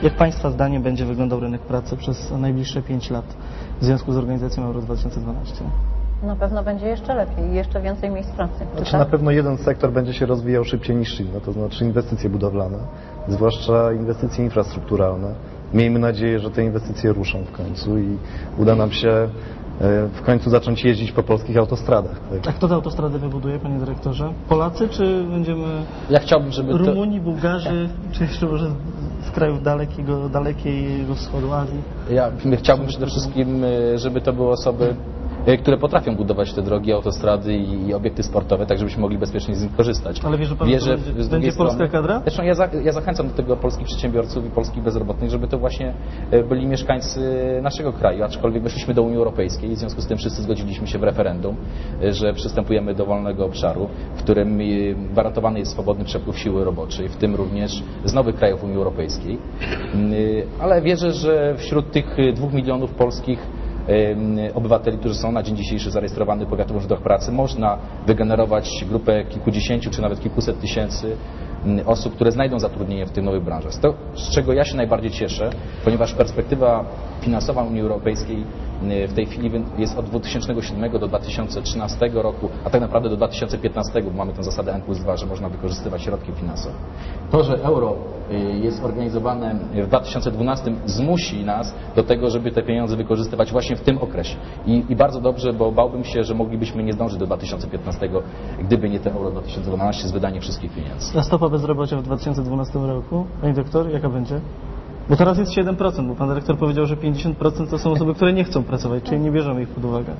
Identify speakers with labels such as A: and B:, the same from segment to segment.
A: Jak Państwa zdaniem będzie wyglądał rynek pracy przez najbliższe 5 lat w związku z organizacją Euro 2012?
B: Na pewno będzie jeszcze lepiej, jeszcze więcej miejsc pracy.
C: Znaczy, na pewno jeden sektor będzie się rozwijał szybciej niż inny, to znaczy inwestycje budowlane, zwłaszcza inwestycje infrastrukturalne. Miejmy nadzieję, że te inwestycje ruszą w końcu i uda nam się w końcu zacząć jeździć po polskich autostradach. Tak?
A: A kto te autostrady wybuduje, panie dyrektorze? Polacy, czy będziemy
D: Ja chciałbym, żeby
A: Rumuni, Bułgarzy, czy jeszcze może z krajów dalekiego wschodu Azji?
D: Ja chciałbym przede wszystkim, żeby to były osoby, które potrafią budować te drogi, autostrady i obiekty sportowe, tak żebyśmy mogli bezpiecznie z nich korzystać.
A: Ale wierzy pan, że będzie polska kadra?
D: Zresztą ja zachęcam do tego polskich przedsiębiorców i polskich bezrobotnych, żeby to właśnie byli mieszkańcy naszego kraju, aczkolwiek weszliśmy do Unii Europejskiej i w związku z tym wszyscy zgodziliśmy się w referendum, że przystępujemy do wolnego obszaru, w którym gwarantowany jest swobodny przepływ siły roboczej, w tym również z nowych krajów Unii Europejskiej. Ale wierzę, że wśród tych 2 milionów polskich obywateli, którzy są na dzień dzisiejszy zarejestrowani w powiatowym urzędach pracy, można wygenerować grupę kilkudziesięciu czy nawet kilkuset tysięcy osób, które znajdą zatrudnienie w tych nowych branżach. To, z czego ja się najbardziej cieszę, ponieważ perspektywa finansowa Unii Europejskiej w tej chwili jest od 2007 do 2013 roku, a tak naprawdę do 2015, bo mamy tę zasadę N+2, że można wykorzystywać środki finansowe. To, że euro jest organizowane w 2012 zmusi nas do tego, żeby te pieniądze wykorzystywać właśnie w tym okresie. I bardzo dobrze, bo bałbym się, że moglibyśmy nie zdążyć do 2015, gdyby nie te euro 2012 z wydaniem wszystkich pieniędzy.
A: A stopa bezrobocia w 2012 roku, panie doktor, jaka będzie? Bo teraz jest 7%, bo pan dyrektor powiedział, że 50% to są osoby, które nie chcą pracować, czyli nie bierzemy ich pod uwagę.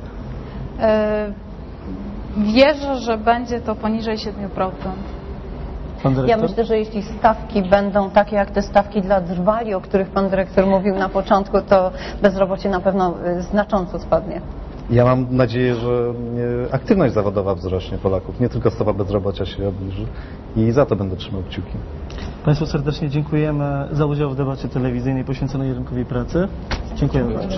E: Wierzę, że będzie to poniżej 7%.
A: Pan dyrektor?
B: Ja myślę, że jeśli stawki będą takie jak te stawki dla drwali, o których pan dyrektor mówił na początku, to bezrobocie na pewno znacząco spadnie.
C: Ja mam nadzieję, że aktywność zawodowa wzrośnie Polaków, nie tylko stopa bezrobocia się obniży i za to będę trzymał kciuki.
A: Państwu serdecznie dziękujemy za udział w debacie telewizyjnej poświęconej rynkowi pracy. Dziękujemy bardzo.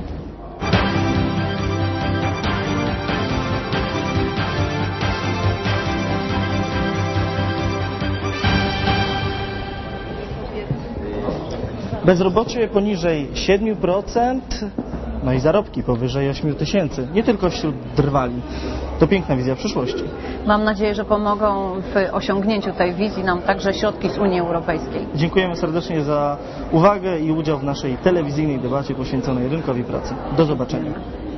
A: Bezrobocie poniżej 7%, no i zarobki powyżej 8 tysięcy, nie tylko wśród drwali. To piękna wizja przyszłości.
B: Mam nadzieję, że pomogą w osiągnięciu tej wizji nam także środki z Unii Europejskiej.
A: Dziękujemy serdecznie za uwagę i udział w naszej telewizyjnej debacie poświęconej rynkowi pracy. Do zobaczenia.